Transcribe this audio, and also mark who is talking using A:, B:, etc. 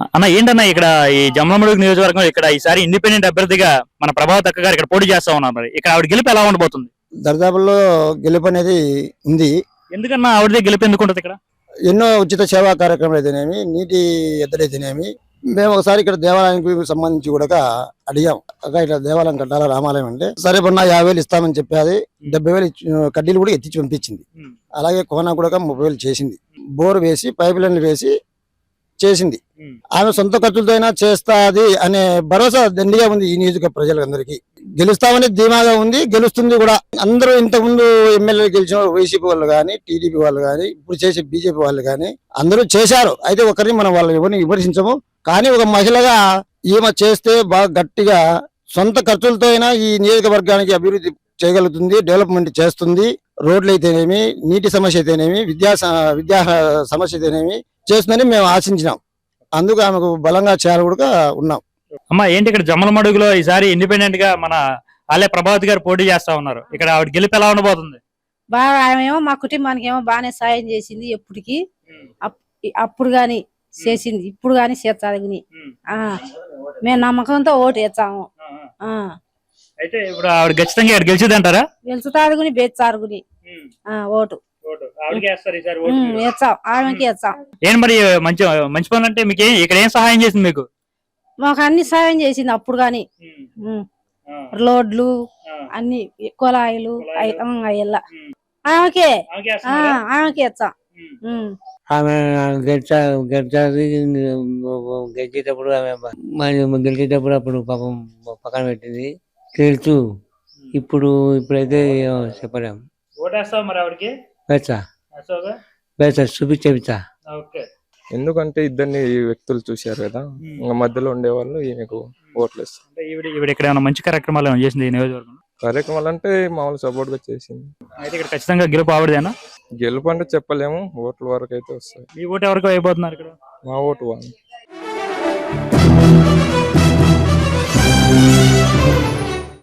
A: అన్న ఏంటన్నా ఇక్కడ ఈ జమ్మలమడుగు నియోజకవర్గం ఇక్కడ ఈసారి ఇండిపెండెంట్ అభ్యర్థిగా మన ప్రభావత్ అక్క గారు ఇక్కడ పోటీ చేస్తా ఉన్నారు. మరి ఇక్కడ ఆవిడ గెలుపు ఎలా ఉండబోతుంది?
B: దర్దాపుల్లో గెలుపు అనేది ఉంది.
A: ఎందుకన్నా ఆవిడదే గెలుపు ఎందుకు ఉంటుంది? ఇక్కడ
B: ఎన్నో ఉచిత సేవా కార్యక్రమాలు అయితేనేమి, నీటి ఎద్దడైతేనేమి, మేము ఒకసారి ఇక్కడ దేవాలయానికి సంబంధించి కూడా అడిగాం. అక్క ఇట్లా దేవాలయం కట్టాలా రామాలయం అంటే సరే పన్నా 50,000 ఇస్తామని చెప్పి 70,000 కడ్డీలు కూడా ఎత్తించి పంపించింది. అలాగే కోన కూడా 30,000 చేసింది. బోర్ వేసి పైప్ లైన్లు వేసి చేసింది. ఆమె సొంత ఖర్చులతో అయినా చేస్తాది అనే భరోసా దండిగా ఉంది ఈ నియోజకవర్గ ప్రజలందరికీ. గెలుస్తామని ధీమాగా ఉంది, గెలుస్తుంది కూడా. అందరూ ఇంతకుముందు ఎమ్మెల్యే గెలిచిన వైసీపీ వాళ్ళు కానీ, టీడీపీ వాళ్ళు కానీ, ఇప్పుడు చేసే బీజేపీ వాళ్ళు కానీ అందరూ చేశారు. అయితే ఒకరిని మనం వాళ్ళు ఎవరిని విమర్శించము. కానీ ఒక మహిళగా ఈమె చేస్తే బాగా గట్టిగా సొంత ఖర్చులతో అయినా ఈ నియోజకవర్గానికి అభివృద్ధి చేయగలుగుతుంది, డెవలప్మెంట్ చేస్తుంది. రోడ్లు అయితేనేమి, నీటి సమస్య అయితేనేమి, విద్యా సమస్య అయితేనేమి చేస్తుందని మేము ఆశించినాం. అందుకు ఆమెకు బలంగా చేయాలి కూడా ఉన్నాం.
A: అమ్మా ఏంటి ఇక్కడ జమ్మలమడుగులో ఈసారి ఇండిపెండెంట్ గా మన ఆలయ ప్రభావత్ గారు పోటీ చేస్తా ఉన్నారు. ఇక్కడ ఆవిడ గెలుపు ఎలా ఉండబోతుంది?
C: బాగా ఆమెమో మా కుటుంబానికి ఏమో బాగానే సాయం చేసింది. ఎప్పటికి అప్పుడు గాని చేసింది, ఇప్పుడు గాని చేస్తాది. మేము నమ్మకంతో ఓటు వేస్తాము.
A: అయితే ఇప్పుడు ఆవిడ ఖచ్చితంగా ఇక్కడ గెలిచిది అంటారా?
C: గెలుచుతారు గుని బేచ్చారు గుని ఓటు వేస్తాం, ఆమెకి వేస్తాం.
A: ఏం మరి మంచి మంచి పనులు అంటే మీకు ఇక్కడ ఏం సహాయం చేసింది? మీకు
C: మాకు అన్ని సాయం చేసింది అప్పుడు గాని. రోడ్లు అన్ని కుళాయిలు అయ్యల్లా ఆమెకే వేస్తాం.
D: ఆమె గెలిచేటప్పుడు గెలిచేటప్పుడు అప్పుడు పాపం పక్కన పెట్టింది తెలుసు. ఇప్పుడైతే చెప్పలేము.
A: ఓటేస్తావు మరి ఆవిడకి?
D: చూపించా.
E: ఎందుకంటే ఇద్దరిని వ్యక్తులు చూశారు కదా, ఇంకా మధ్యలో ఉండేవాళ్ళు ఈమెకు ఓట్లు వేస్తారు.
A: ఈవిడ ఇక్కడ ఏమైనా మంచి కార్యక్రమాలు ఏమైనా చేసింది ఈ నియోజకవర్గంలో?
E: కార్యక్రమాలు అంటే మామూలు సపోర్ట్ గా చేసింది.
A: అయితే ఇక్కడ ఖచ్చితంగా గెలుపు ఆవిడదేనా?
E: గెలుపు అంటే చెప్పలేము, ఓట్ల వరకు అయితే వస్తాయి.
A: మీ ఓటు ఎవరికి అయిపోతున్నారు ఇక్కడ?
E: మా ఓటు